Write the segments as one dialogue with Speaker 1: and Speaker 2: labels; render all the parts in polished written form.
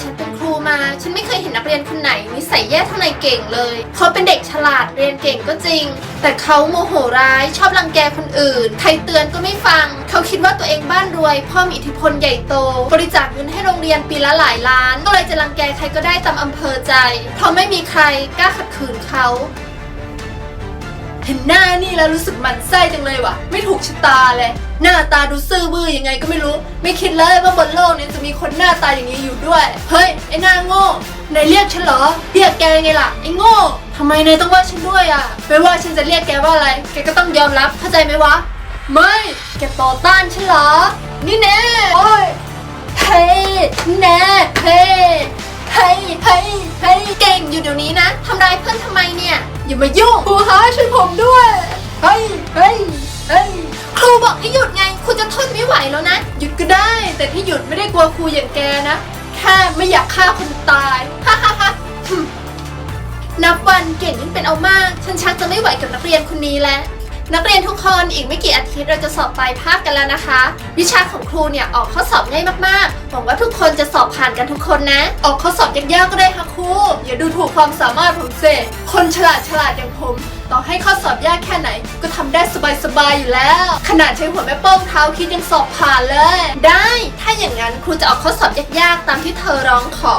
Speaker 1: ฉันเป็นครูมาฉันไม่เคยเห็นนักเรียนคนไหนนิสัยแย่เท่านายเก่งเลยเขาเป็นเด็กฉลาดเรียนเก่งก็จริงแต่เขาโมโหร้ายชอบรังแกคนอื่นใครเตือนก็ไม่ฟังเขาคิดว่าตัวเองบ้านรวยพ่อมีอิทธิพลใหญ่โตบริจาคเงินให้โรงเรียนปีละหลายล้านก็เลยจะรังแกใครก็ได้ตามอำเภอใจเพราะไม่มีใครกล้าขัดขืนเขาเห็นหน้านี่แล้วรู้สึกหมั่นไส้จังเลยว่ะไม่ถูกชะตาเลยหน้าตาดูซื่อบื้อยังไงก็ไม่รู้ไม่คิดเลยว่าบนโลกนี้จะมีคนหน้าตาอย่างนี้อยู่ด้วยเฮ้ยไอ้หน้าโง่นายเรียกฉันเหรอเรียกแกไงล่ะไอ้โง่ทำไมนายต้องว่าฉันด้วยอ่ะไม่ว่าฉันจะเรียกแกว่าอะไรแกก็ต้องยอมรับเข้าใจไหมวะไม่แกต่อต้านฉันเหรอนี่แน่โอ้ยเฮ้ยแน่เฮ้ยเฮ้ยเฮ้ยเฮ้ยเก่งอยู่เดี๋ยวนี้นะทำร้ายเพื่อนทำไมเนี่ยอย่ามายุ่งครูฮะช่วยผมด้วยเฮ้ยเฮ้ยเฮ้ยครูบอกให้หยุดไงครูจะทนไม่ไหวแล้วนะหยุดก็ได้แต่ที่หยุดไม่ได้กลัวครูอย่างแกนะแค่ไม่อยากฆ่าคนตายฮ่าฮ่าฮ่านับวันเก่งยิ่งเป็นเอามากฉันชักจะไม่ไหวกับนักเรียนคนนี้แล้วนักเรียนทุกคนอีกไม่กี่อาทิตย์เราจะสอบปลายภาคกันแล้วนะคะวิชาของครูเนี่ยออกข้อสอบง่ายมากๆหวังว่าทุกคนจะสอบผ่านกันทุกคนนะออกข้อสอบยากๆก็ได้ค่ะครูอย่าดูถูกความสามารถผมสิคนฉลาดอย่างผมต่อให้ข้อสอบยากแค่ไหนก็ทำได้สบายๆอยู่แล้วขนาดใช้หัวแม่โป้งเท้าคิดยังสอบผ่านเลยได้ถ้าอย่างนั้นครูจะออกข้อสอบยากๆตามที่เธอร้องขอ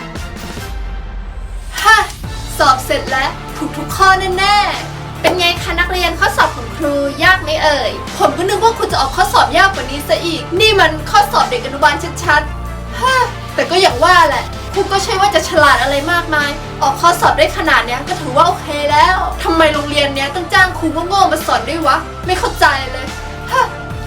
Speaker 1: ฮ่าสอบเสร็จแล้วถูกทุกข้อแน่ๆเป็นไงคะนักเรียนข้อสอบของครูยากไหมเอ่ยผมก็นึกว่าคุณจะออกข้อสอบยากกว่านี้ซะอีกนี่มันข้อสอบเด็กอนุบาลชัดๆฮ่าแต่ก็อย่างว่าแหละครูก็ใช่ว่าจะฉลาดอะไรมากมายออกข้อสอบได้ขนาดเนี้ยก็ถือว่าโอเคแล้วทำไมโรงเรียนเนี้ยต้องจ้างครูโง่ๆมาสอนด้วยวะไม่เข้าใจเลยฮ่า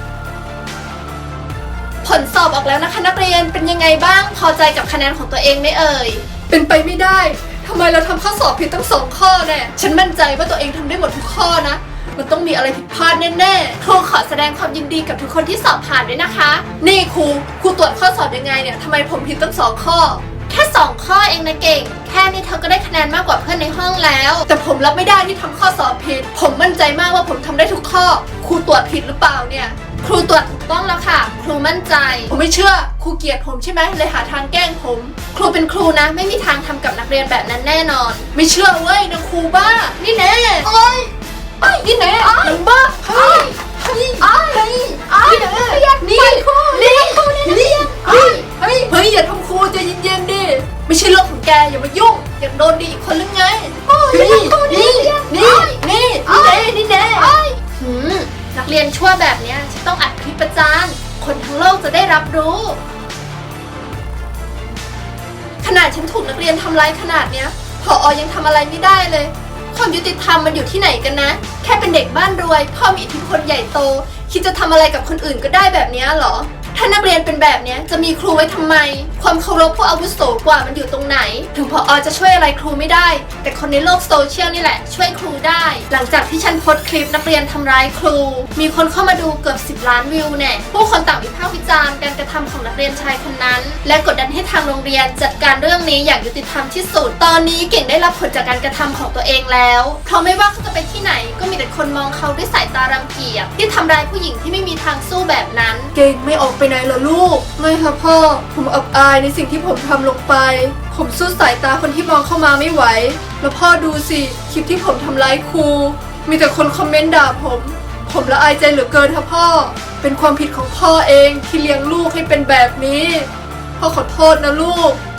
Speaker 1: ผลสอบออกแล้วนะคะนักเรียนเป็นยังไงบ้างพอใจกับคะแนนของตัวเองไหมเอ่ยเป็นไปไม่ได้ทำไมเราทำข้อสอบผิดตั้ง2 ข้อแน่ฉันมั่นใจว่าตัวเองทำได้หมดทุกข้อนะมันต้องมีอะไรผิดพลาดแน่ๆครูขอแสดงความยินดีกับทุกคนที่สอบผ่านด้วยนะคะนี่ครูตรวจข้อสอบยังไงเนี่ยทำไมผมผิดตั้ง2 ข้อแค่2 ข้อเองนะเก่งแค่นี้เธอก็ได้คะแนนมากกว่าเพื่อนในห้องแล้วแต่ผมรับไม่ได้ที่ทำข้อสอบผิดผมมั่นใจมากว่าผมทำได้ทุกข้อครูตรวจผิดหรือเปล่าเนี่ยครูตรวจถูกต้องแล้วค่ะครูมั่นใจผมไม่เชื่อครูเกลียดผมใช่ไหมเลยหาทางแกล้งผมครูเป็นครูนะไม่มีทางทำกับนักเรียนแบบนั้นแน่นอนไม่เชื่อเว้ยนางครูบ้านี่แน่โอ้ยไอ้นี่แน่นางบ้าเฮ้ยเฮ้ยเฮ้ยนี่แน่นี่เฮ้ยอย่าทำครูใจเย็นๆดิไม่ใช่เรื่องของแกอย่ามายุ่งอยากโดนดีอีกคนหรือไงนี่แน่นักเรียนชั่วแบบนี้ฉันต้องอัดคลิปประจานคนทั้งโลกจะได้รับรู้ขนาดฉันถูกนักเรียนทำร้ายขนาดเนี้ยผอ.ยังทำอะไรไม่ได้เลยความยุติธรรมมันอยู่ที่ไหนกันนะแค่เป็นเด็กบ้านรวยพ่อมีอิทธิพลใหญ่โตคิดจะทำอะไรกับคนอื่นก็ได้แบบนี้เหรอถ้านักเรียนเป็นแบบนี้จะมีครูไว้ทำไมความเคารพผู้อาวุโสกว่ามันอยู่ตรงไหนถึงผอ.จะช่วยอะไรครูไม่ได้แต่คนในโลกโซเชียลนี่แหละช่วยครูได้หลังจากที่ฉันโพสต์คลิปนักเรียนทำร้ายครูมีคนเข้ามาดูเกือบ10 ล้านวิวแน่ผู้คนต่างวิพากษ์วิจารณ์การกระทำของนักเรียนชายคนนั้นและกดดันให้ทางโรงเรียนจัดการเรื่องนี้อย่างยุติธรรมที่สุดตอนนี้เก่งได้รับผลจากการกระทำของตัวเองแล้วเพราะไม่ว่าเขาจะไปที่ไหนก็มีแต่คนมองเขาด้วยสายตารังเกียจที่ทำร้ายผู้หญิงที่ไม่มีทางสู้แบบนั้นเก่งไม่ออกไปไหนเหรอลูกไม่ค่ะพ่อผมอับอายในสิ่งที่ผมทำลงไปผมสู้สายตาคนที่มองเข้ามาไม่ไหวแล้วพ่อดูสิคลิปที่ผมทำร้ายครูมีแต่คนคอมเมนต์ด่าผมละอายใจเหลือเกินค่ะพ่อเป็นความผิดของพ่อเองที่เลี้ยงลูกให้เป็นแบบนี้พ่อขอโทษนะลูก